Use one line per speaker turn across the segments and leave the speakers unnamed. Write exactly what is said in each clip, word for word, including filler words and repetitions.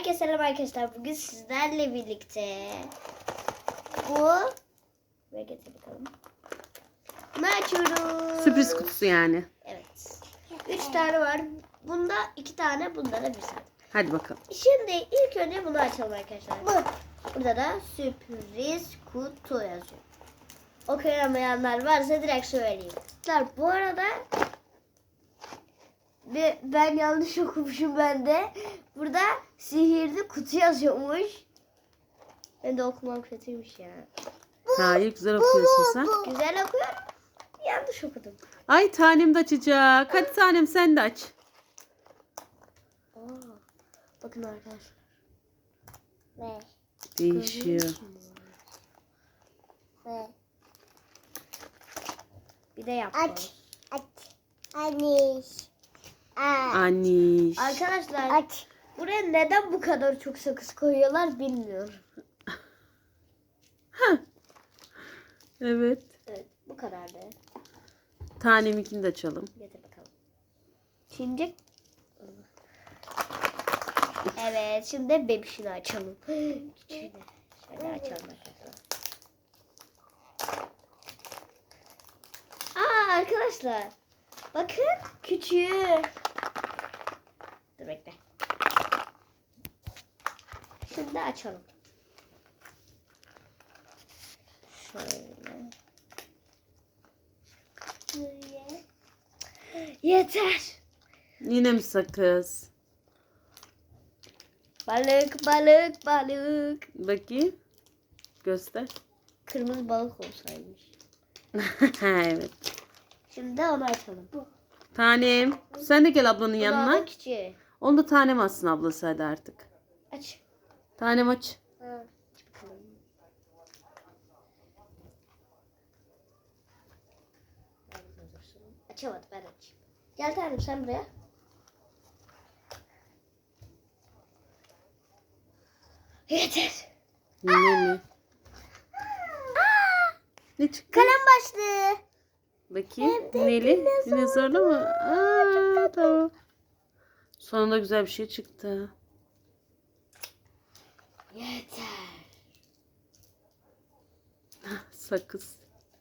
Herkese selam arkadaşlar. Bugün sizlerle birlikte bu ve getir bakalım. Bunu açıyoruz.
Sürpriz kutusu yani.
Evet. Üç tane var. Bunda iki tane, bunda da bir tane.
Hadi bakalım.
Şimdi ilk önce bunu açalım arkadaşlar. Bu. Burada da sürpriz kutu yazıyor. Okuyamayanlar varsa direkt söyleyeyim. Bu arada Ve ben yanlış okumuşum ben de. Burada sihirli kutu yazıyormuş. Ben de okumam kötüymüş ya.
Hayır, güzel okuyorsun sen.
Güzel okuyorum. Yanlış okudum.
Ay, tanem de açacak. Hadi tanem, sen de aç.
Aa, bakın arkadaşlar. Ve
Değişiyor.
Ve bir de yap.
Aç. Aç. Anne.
Aniş.
Arkadaşlar
Aç.
buraya neden bu kadar çok sakız koyuyorlar bilmiyorum.
Evet.
Evet, bu kadar da.
Taneminkini de açalım.
Getir bakalım. Şimdi evet, şimdi bebişini açalım. Küçüğünü. Şöyle açalım arkadaşlar. Aa arkadaşlar. Bakın küçüğü. Dur bekle. Şimdi açalım. Şöyle. Şöyle. Yeter.
Yine mi sakız?
Balık, balık, balık.
Bakayım. Göster.
Kırmızı balık olsaymış.
Evet.
Şimdi onu açalım.
Tanem, sen de gel ablanın yanına.
Yanına. Küçüğü.
Onu da tanem atsın ablası, hadi artık.
Aç.
Tanem aç.
Ha. Aç bakalım. Açamadı, ben açayım. Gel tanem sen buraya. Yeter.
Yine mi? Ne çıktı?
Kalem başlığı.
Bakayım. Neli? Dinozorlu mu? Aa, tamam. Sonunda güzel bir şey çıktı.
Yeter.
Sakız.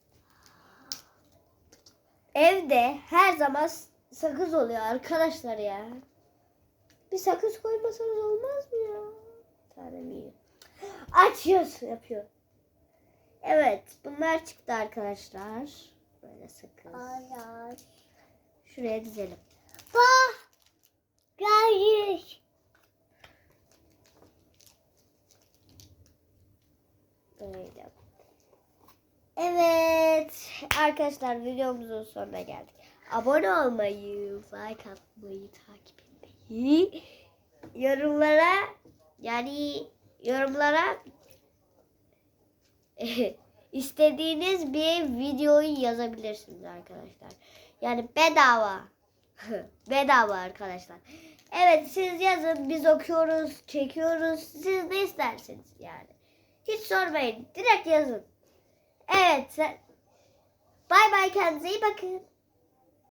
Evde her zaman sakız oluyor arkadaşlar ya. Bir sakız koymasanız olmaz mı ya? Tanem iyi. Açıyoruz, yapıyor. Evet, bunlar çıktı arkadaşlar. Böyle sakız.
Hayır.
Şuraya dizelim.
Bak. Hayır.
Böyle. Evet arkadaşlar, videomuzun sonuna geldik. Abone olmayı, like atmayı, takip etmeyi, yorumlara yani yorumlara istediğiniz bir videoyu yazabilirsiniz arkadaşlar. Yani bedava. Bedava arkadaşlar. Evet, siz yazın, biz okuyoruz, çekiyoruz. Siz ne isterseniz yani. Hiç sormayın. Direkt yazın. Evet. Bay bay, kendinize iyi bakın.